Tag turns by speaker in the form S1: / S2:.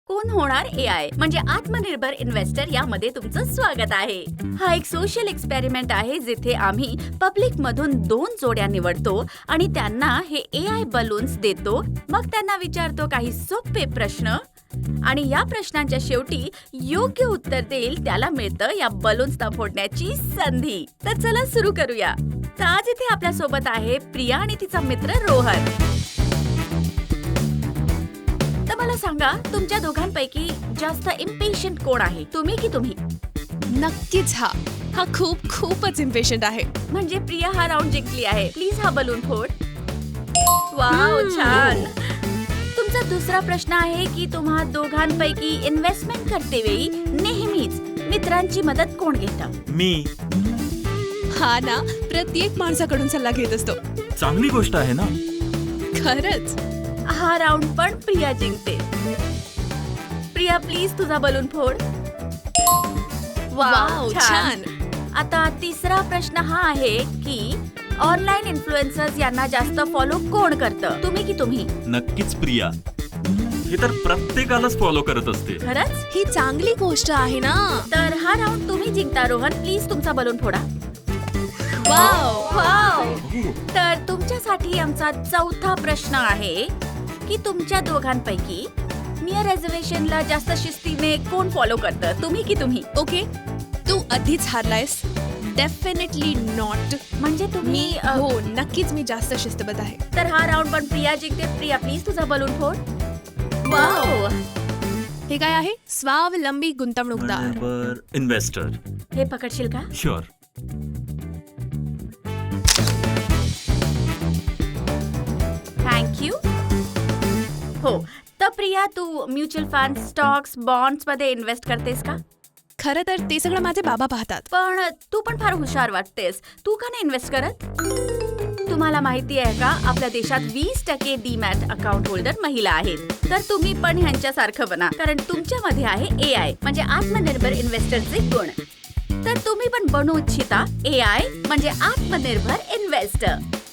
S1: कोण होणार AI म्हणजे आत्मनिर्भर इन्व्हेस्टर यामध्ये तुमचं स्वागत आहे. हा एक सोशल एक्सपेरिमेंट आहे जिथे आम्ही पब्लिक मधून 2 जोड्या निवडतो आणि त्यांना हे AI बलून्स देतो. मग त्यांना विचारतो काही सोपे प्रश्न आणि या प्रश्नांच्या शेवटी योग्य उत्तर देईल त्याला मिळतं या बलून्सना फोडण्याची संधी. तर चला सुरू करूया. तर आज इथे आपल्या सोबत आहे प्रिया आणि तिचा मित्र रोहन. तर मला सांगा तुमच्या दोघांपैकी जास्त इम्पेशंट कोण आहे, तुम्ही की तुम्ही?
S2: नक्कीच हा खूपच इम्पेशंट आहे.
S1: म्हणजे प्रिया हा राऊंड जिंकली आहे. प्लीज हा बलून फोड. वाव, छान. तुमचा दुसरा प्रश्न आहे की तुम्हा दोघांपैकी इन्व्हेस्टमेंट करते वेळी नेहमीच मित्रांची मदत कोण घेतं?
S3: मी.
S2: हा ना, प्रत्येक माणसाकडून सल्ला घेत असतो.
S3: चांगली गोष्ट आहे ना.
S2: खरंच.
S1: हा राऊंड पण प्रिया जिंकते. प्रिया प्लीज तुझा बलून फोड.
S2: वाव, छान.
S1: आता तिसरा प्रश्न हा आहे की ऑनलाईन इन्फ्लुएन्सर्स यांना जास्त फॉलो कोण करतं, तुम्ही की तुम्ही?
S3: नक्कीच प्रिया. हे तर प्रत्येकालाच फॉलो करत असते.
S1: खरंच?
S2: ही चांगली गोष्ट आहे ना.
S1: तर हा राऊंड तुम्ही जिंकता. रोहन प्लीज तुमचा बलून फोडा.
S2: वाव.
S1: तर तुमच्यासाठी आमचा चौथा प्रश्न आहे की तुमच्या दोघांपैकी नियर रिझर्वेशनला जास्त शिस्तीने कोण फॉलो करतं, तुम्ही की तुम्ही?
S2: ओके, तू आधीच हारलायस. Definitely not.
S1: म्हणजे तुम्ही
S2: हो, नक्कीच मी जास्त शिस्तबद्ध आहे.
S1: तर हा राऊंड पण प्रिया जिंकते. प्रिया प्लीज तुझा बलून फोड. वाव.
S2: हे काय आहे? स्वावलंबी गुंतवणूकदार.
S3: इन्व्हेस्टर.
S1: हे पकडशील का?
S3: शुअर.
S1: थँक्यू. हो, तर प्रिया तू म्युच्युअल फंड, स्टॉक्स, बॉन्ड्स मध्ये इन्व्हेस्ट करतेस का?
S2: खरं तर ते सगळं माझे बाबा पाहतात.
S1: पण तू पण फार हुशार वाटतेस. तू का नाही इन्व्हेस्ट करत? तुम्हाला माहिती आहे का आपल्या देशात 20% डीमॅट अकाउंट होल्डर महिला आहेत. तर तुम्ही पण ह्यांच्यासारखं बना, कारण तुमच्यामध्ये आहे AI म्हणजे आत्मनिर्भर इन्व्हेस्टरचे गुण. तर तुम्ही पण बनू इच्छिता AI म्हणजे आत्मनिर्भर इन्व्हेस्टर.